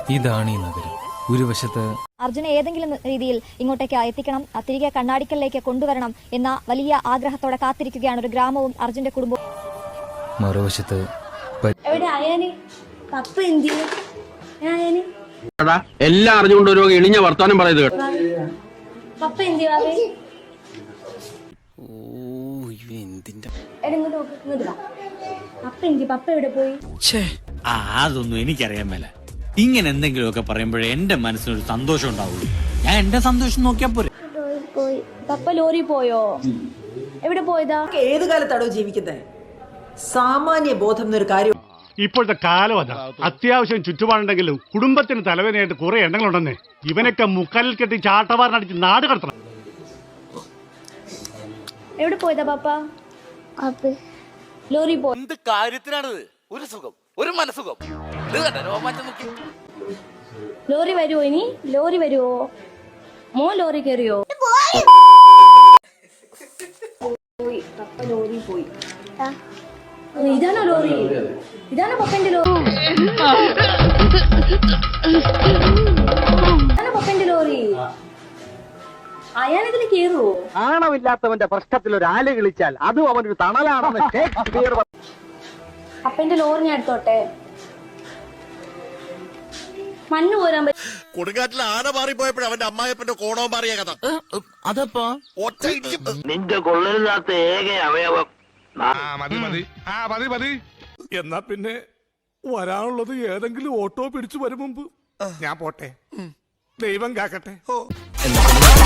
ഇതാണ് ഈ നഗരം. ഒരു വശത്ത് അർജുനെ ഏതെങ്കിലും രീതിയിൽ ഇങ്ങോട്ടേക്ക് എത്തിക്കണം, തിരികെ കണ്ണാടിക്കലിലേക്ക് കൊണ്ടുവരണം എന്ന വലിയ ആഗ്രഹത്തോടെ കാത്തിരിക്കുകയാണ് ഒരു ഗ്രാമവും അർജുന്റെ കുടുംബവും. മറുവശത്ത് എല്ലാം അറിഞ്ഞുകൊണ്ട് ഒരു എളിഞ്ഞ വർത്താനം പറയുന്നത് അതൊന്നും എനിക്കറിയാൻ മേല. ഇങ്ങനെ എന്തെങ്കിലുമൊക്കെ പറയുമ്പോഴേ എന്റെ മനസ്സിനൊരു സന്തോഷം ഉണ്ടാവുള്ളൂ. ഞാൻ എന്റെ സന്തോഷം നോക്കിയാ പോരെ. പപ്പ ലോറി പോയോ? എവിടെ പോയതാ? ഏത് കാലത്താണോ ജീവിക്കുന്നത്? സാമാന്യ ബോധം എന്നൊരു കാര്യം. ഇപ്പോഴത്തെ കാലം അതാ. അത്യാവശ്യം ചുറ്റുപാടുണ്ടെങ്കിലും കുടുംബത്തിന് തലവേദനയായിട്ട് കുറെ എണ്ണങ്ങളുണ്ടെന്നേ. ഇവനൊക്കെ മുക്കാലിൽ കെട്ടി ചാട്ടവാറിനടിച്ച് നാട് കടത്തണം. എവിടെ പോയതാ പപ്പ? ലോറി പോയി. എന്ത് കാര്യത്തിനാണിത്? ഒരു സുഖം, ഒരു മനസുഖം. ലോറി വരുവോ? ഇനി ലോറി വരുവോ? മോൻ ലോറി കയറിയോ? പോയി പപ്പ ലോറി പോയി. ഇതാണോ ലോറി? ഇതാണോ പപ്പന്റെ ലോറി? ഇതാണോ പപ്പന്റെ ലോറി? അയാളിതിൽ കയറുവോ? ആണമില്ലാത്തവന്റെ പ്രശ്നത്തിൽ ഒരു ആല് കളിച്ചാൽ അതും അവനൊരു തണലാണെന്ന് പപ്പന്റെ ലോറി ഞാൻ എടുത്തോട്ടെ. മണ്ണ് പോരാൻ കൊടുങ്കാറ്റിൽ ആന മാറിപ്പോയപ്പോഴും അവന്റെ അമ്മായപ്പന്റെ കോണവും മാറിയ കഥ. അതപ്പോ നിന്റെ കൊള്ളരുതാത്ത ഏക അവയവം. മതി. എന്നാ പിന്നെ വരാനുള്ളത് ഏതെങ്കിലും ഓട്ടോ പിടിച്ചു വരും മുമ്പ് ഞാൻ പോട്ടെ. ദൈവം കാക്കട്ടെ.